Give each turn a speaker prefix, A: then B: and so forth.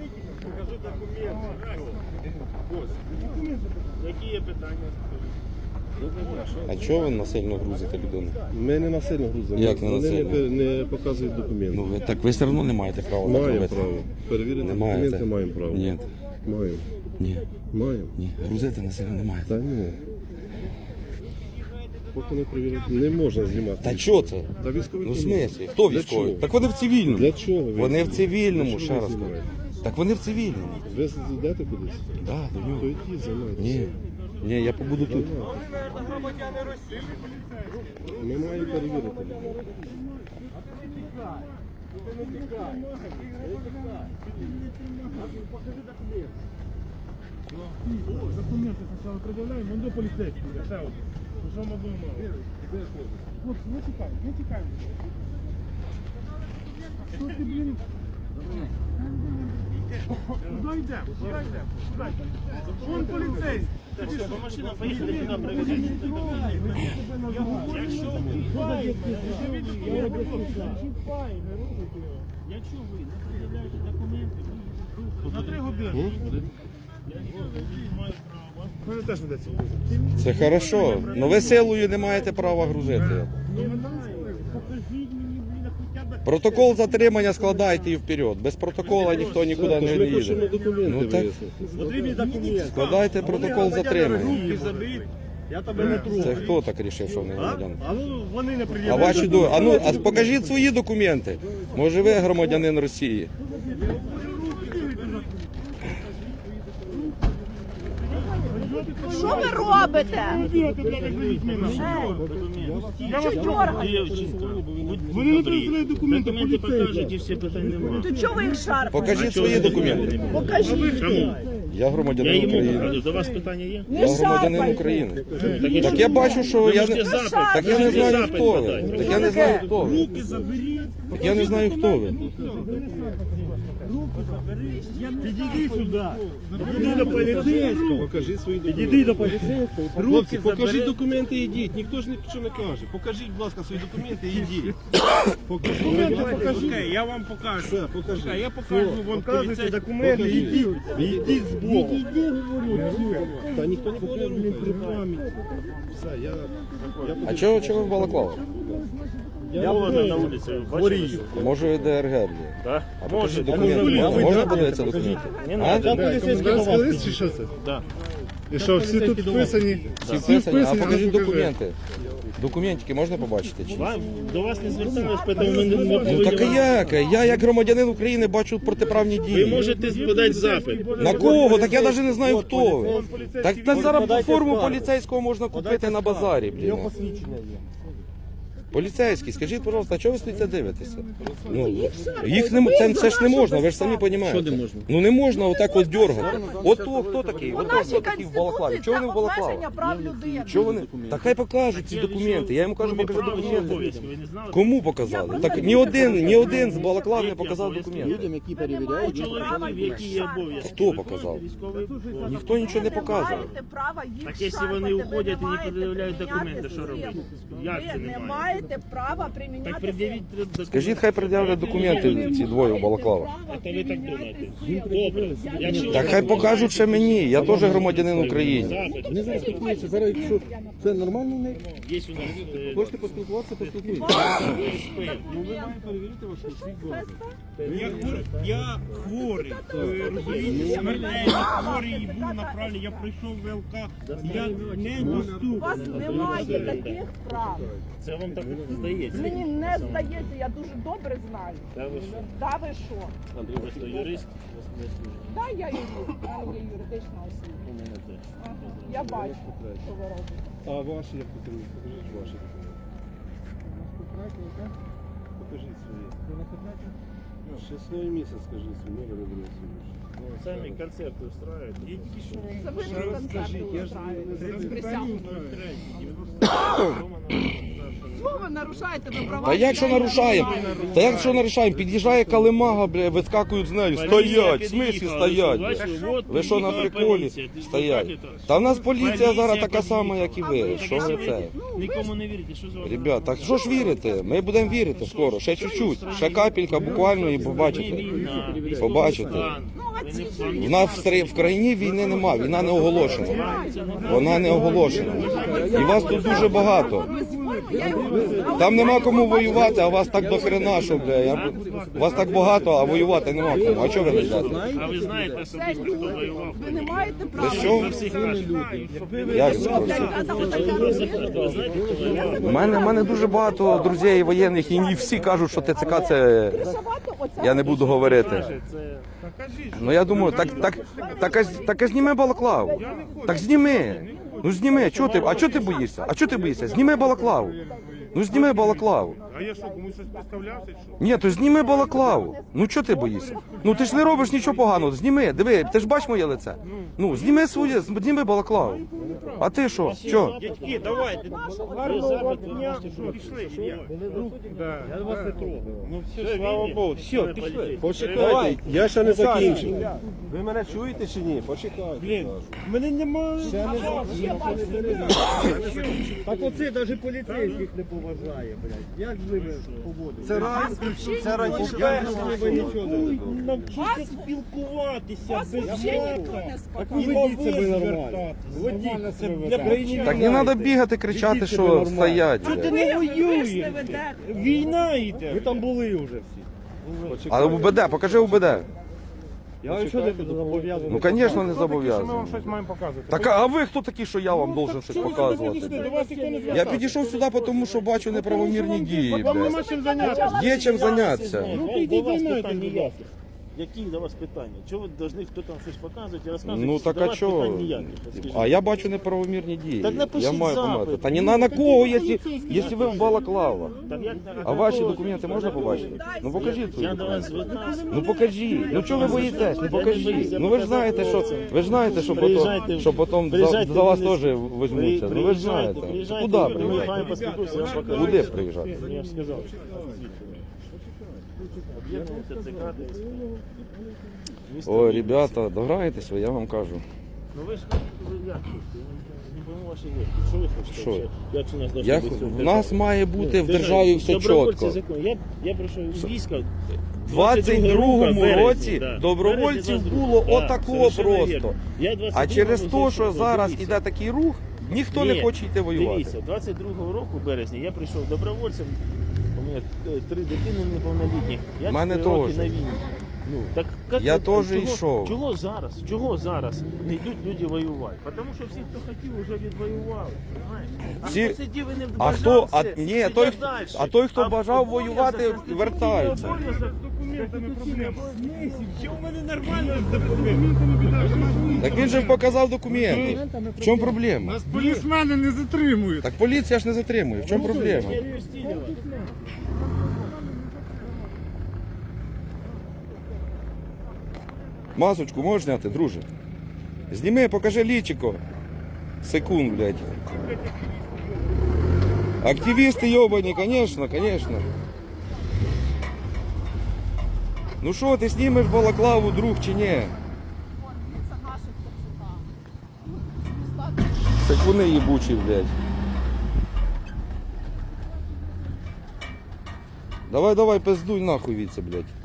A: Покажи документи. Які є питання?
B: А чого ви насильно грузите людину?
C: Ми не насильно грузимо.
B: Як не
C: Вони
B: насильно?
C: не показують документи.
B: Ну, так ви все одно не маєте права так
C: Маємо
B: робити.
C: право. Перевірити
B: Не маєте?
C: документи маємо право.
B: Ні.
C: Маємо.
B: Ні.
C: Маємо.
B: Ні. Грузити насильно не маєте.
C: Та ні. Поки не перевірити. Не можна знімати.
B: Та чого це?
C: Та військові.
B: Ну в смислі? Хто
C: Для
B: військовий?
C: чого?
B: Так вони в цивільному.
C: Для чого ви?
B: Вони в цивільному,
C: Для
B: ще
C: чого
B: раз
C: ви
B: кажу.
C: знімаєте?
B: Так вони в цивільному.
C: Ви йдете кудись?
B: Так, до
C: То
B: нього.
C: йдіть, займайтеся.
B: Ні. Ні, я побуду тут.
C: Ми маємо перевірити.
A: Документи спочатку пред'являємо, вон до поліцейських. Що ми будемо? Хлопці, не тікаємо, не тікаємо. Що ти, блін? Куди йдемо? Куди йдемо? Вон поліцейський. Машина поїхали туди, привезли. Якщо ви не пред'являєте документи, на 3 години. Мене теж не дається.
B: Це хорошо. Ну ви силою не маєте права грузити.
A: Покажіть мені, блін, хоча б.
B: Протокол затримання складайте і вперед. Без протокола ніхто нікуди
C: Тож
B: не
C: ми хочемо
B: їде.
C: документи
B: Ну, так.
C: вияснити.
A: Потрібні документи.
B: Складайте протокол затримання.
A: Руки забить, я тебе не трогаю.
B: Це хто так рішив, що вони громадяни?
A: А ну, вони не
B: А
A: пред'являють.
B: ваші а ну, а покажіть свої документи. Може ви громадянин Росії?
D: Що ви робите?
A: Я вас дівчинка. Вони не пред'являють документи, документи покажуть і всі питань немає.
D: То чого ви їх шарпаєте?
B: Покажіть свої документи.
D: Покажіть.
A: Чому?
B: Я
A: Я
B: громадянин
A: йому
B: України.
A: покажу. До вас питання є?
D: Не
B: Я громадянин
D: шарпайте.
B: України. Так я бачу, що я не... Так я не знаю, хто ви. Так я не знаю, хто ви.
A: Руки заберіть.
B: Так я не знаю, хто ви.
A: Підійди сюди. Підійди до поліцейського.
C: Покажіть свої документи.
A: Підійди до поліцейського.
C: Хлопці, покажіть документи і йдіть. Ніхто ж нічого не каже. Покажіть, будь ласка, свої документи і йдіть. Покажіть.
A: Окей, я вам покажу.
C: Все, покажи.
A: Я покажу вам поліцейські документи. Ідіть. Ідіть з боку.
C: Та ніхто нікого не рухає. Все,
B: А чого ви в балаклавах?
A: Я холодно на вулиці, бачите?
B: Може ви ДРГ, блін?
A: Так?
B: А покажіть документи. Можна подивитися документи? А?
C: Комендантський лист чи що це?
A: Так.
C: І що, всі тут вписані?
B: Всі вписані? А покажіть документи. Документики можна побачити? Чи?
A: До вас не звертались, тому ми не
B: Ну так а як? Я як громадянин України бачу протиправні
A: Ви
B: дії.
A: можете подати запит.
B: На кого? Так я навіть не знаю, хто ви. Так зараз форму поліцейського можна купити на базарі, блін. Поліцейський, скажіть, пожалуйста, а чого ви стоїте дивитеся? Ну, їх не, це ж не можна, ви ж самі розумієте.
A: Що не можна?
B: Ну не можна отак от дергати. Ото хто такий?
D: У
B: Ото
D: нашій
B: хто такий в балаклаві?
D: Конституції
B: Чого
D: це
B: вони в балаклаві?
D: обмеження прав людини.
B: Чого вони? Та хай покажуть ці документи. Я йому кажу, покажи документи.
A: Ви не знали?
B: Кому показали? Так ні один з балаклав не показав документи.
A: які перевіряють. Чоловіків, які є обов'язки.
B: Хто показав?
A: Військовий обов'язок.
B: Ніхто нічого не показує.
A: Так якщо вони уходять і не пред'являють документи, що робити? Як це
D: Ви не
A: немає?
D: маєте права приміняти.
A: Так пред'явіть документи.
B: Скажіть, хай пред'являть документи ці двоє в балаклавах.
A: Це ви так думаєте? Добре. Якщо
B: Так хай покажуть ще мені, я теж громадянин України.
A: запит,
C: Вони зараз спілкуються. Зараз, якщо це нормально в них,
A: є у нас
C: хочете поспілкуватися, поспілкуйтесь.
A: СП.
C: Перевірити вас
A: Я хворий, розумієте, смертельний хворий, і був направлений, я пройшов ВЛК, я не
D: У вас
A: доступний.
D: немає таких прав.
A: Це вам так здається?
D: Мені не здається, я дуже добре знаю.
A: Та ви що?
D: Да ви що?
A: Андрій, ви що, юрист?
D: Да, я юрист, в мене є юридична освіта.
A: У мене теж.
D: Ага, я бачу, що ви робите.
C: А ваші як потрібні? Покажіть ваші документи. Покажіть свої. Число і місяць, скажіть свій номер і буде свій.
A: Самі концерти устраивають. Я тільки що
D: Це ви ж концерти устраиваєте. Присягу. Що ви нарушаєте на права?
B: Та як що
D: людей?
B: нарушаємо? Та як що нарушаємо? Під'їжджає калимага, бля, вискакують з нею. Стоять, в смислі стоять, бля. Ви що на приколі стоять? Та в нас поліція зараз така сама, як і ви. Що ви це?
A: Нікому не вірите, що з вами?
B: Ребят, так що ж вірите? Ми будемо вірити скоро, ще чуть-чуть, ще капелька буквально і побачите. Побачите.
D: Ну, а
B: В нас в країні війни нема, війна не оголошена. Вона не оголошена. І вас тут дуже багато. Там нема кому воювати, а вас так до хрена, що, бля. Вас так багато, а воювати нема кому. А чого ви не йдете?
E: А ви знаєте особисто, хто воював?
D: Ви не маєте права.
B: Ви що?
E: Всіх кажуть.
B: Як це про це?
E: Ви знаєте, хто воював?
B: У мене дуже багато друзів воєнних, і не всі кажуть, що ТЦК це... Я не буду говорити. Ну я думаю, так зніми балаклаву. Так зніми. Ну зніми, чого ти? А чого ти боїшся? А чого ти боїшся? Зніми балаклаву. Ну зніми балаклаву.
A: А я що, комусь щось представлявся, чи що?
B: Ні, то зніми балаклаву. Ну чого ти боїшся? Ну ти ж не робиш нічого поганого. Зніми, диви, ти ж бачиш моє лице. Ну, зніми балаклаву. А ти що? Що?
E: Дядьки, давайте. Гарного дня. Пішли.
A: Я вас не трогаю.
E: Ну все, слава Богу. Все, пішли.
C: Почекайте, я ще не закінчив. Ви мене чуєте чи ні? Почекайте.
E: Блін, мене немає.
F: Так оце навіть поліцейських не поважає, блядь. Як з ними поводиться?
C: Це раніше
F: Ви нічого не робили.
E: Навчіться спілкуватися без
F: Так ведіть себе нормально. Ведіть себе так.
B: Так не треба бігати, кричати, що стоять.
E: Ти
B: бля.
E: не воюєш. Війна йде.
F: Ви там були вже всі.
B: А УБД, покажи УБД.
F: Я нічого не зобов'язаний.
B: Ну, звісно, не
A: Ми вам
B: зобов'язаний.
A: щось маємо показувати.
B: Так, а ви хто такі, що я вам должен щось показувати?
A: До вас ніхто не
B: Я
A: звертався.
B: підійшов сюди, тому що бачу неправомірні дії,
A: Вам
B: блядь.
A: нема чим зайнятися.
B: Є чим зайнятися.
E: Ну,
A: підіть,
E: до вас
A: займайтесь,
E: питань
A: будь
E: ніяких.
A: ласка.
E: Які до вас питання? Чого ви повинні хто там щось показувати і розказувати?
B: Ну так
E: До
B: а
E: вас
B: чого?
E: питань ніяких, от скажіть.
B: А я бачу неправомірні дії.
E: Так напишіть
B: Я маю
E: запит.
B: помати. Та ні на кого, якщо ви в балаклава.
E: Так як-
B: А ваші документи можна побачити? Ну покажіть свої
E: Я до вас
B: документи.
E: звертався.
B: Ну покажіть. Ну чого ви боїтесь? Ну покажіть. Ну ви ж знаєте, що
E: Приїжджайте,
B: що потім
E: приїжджайте
B: за вас
E: в Вінницю.
B: теж візьмуться. Ну ви ж знаєте.
E: Приїжджайте,
B: Куди
E: ми
B: приїжджати?
E: вами поспілкуємося, я вам покажу.
B: Куди приїжджати?
E: Я ж сказав. Об'єкт ТЦК десь. Місто
B: Ой,
E: Вінниця.
B: ребята, дограйтесь ви, я вам кажу.
E: Ну ви ж ви як хочете? Я не пойму ваші вірки. Що ви хочете?
B: Що?
E: взагалі? Як у нас должно
B: Я,
E: бути все
B: в нас має бути в державі все
E: Добровольці
B: чітко.
E: закон. Я прийшов із війська.
B: В 22-му
E: березня,
B: році
E: да.
B: добровольців
E: Березня,
B: було
E: да,
B: отако
E: совершенно
B: просто.
E: вірно. Я
B: А
E: 22-го
B: через те, що
E: зайшов,
B: зараз
E: дивіться.
B: іде такий рух, ніхто не
E: Ні,
B: хоче йти воювати.
E: Дивіться, 22-го року, березня, я прийшов добровольцем, у мене 3 дитини неповнолітніх, я
B: Мене
E: 4 роки
B: теж.
E: на війні. Ну, так, як
B: Я
E: ви-
B: теж йшов.
E: Чого зараз не йдуть люди воювати? Тому що всі, хто хотів, вже відвоювали. Понимаєте? А
B: Всі-
E: хто сидів і не
B: А хто, ні,
E: сидять
B: той,
E: далі.
B: а той, хто
E: А
B: бажав
E: обов'язок
B: воювати,
E: Конституційний
B: вертається.
E: обов'язок
A: Документами проблема.
E: Що в мене нормально?
B: Так він же показав документи. В чому проблема?
A: Нас полісмени не затримують.
B: Так поліція ж не затримує. В чому проблема? Масочку можеш зняти, друже? Зніми, покажи лічико. Секунд, блядь. Активісти йобані, конечно, конечно. Ну що, ти знімеш балаклаву, друг, чи ні?
D: Це наших ТЦК.
B: Секуни їбучі, блядь. Давай, пиздуй нахуй від це, блядь.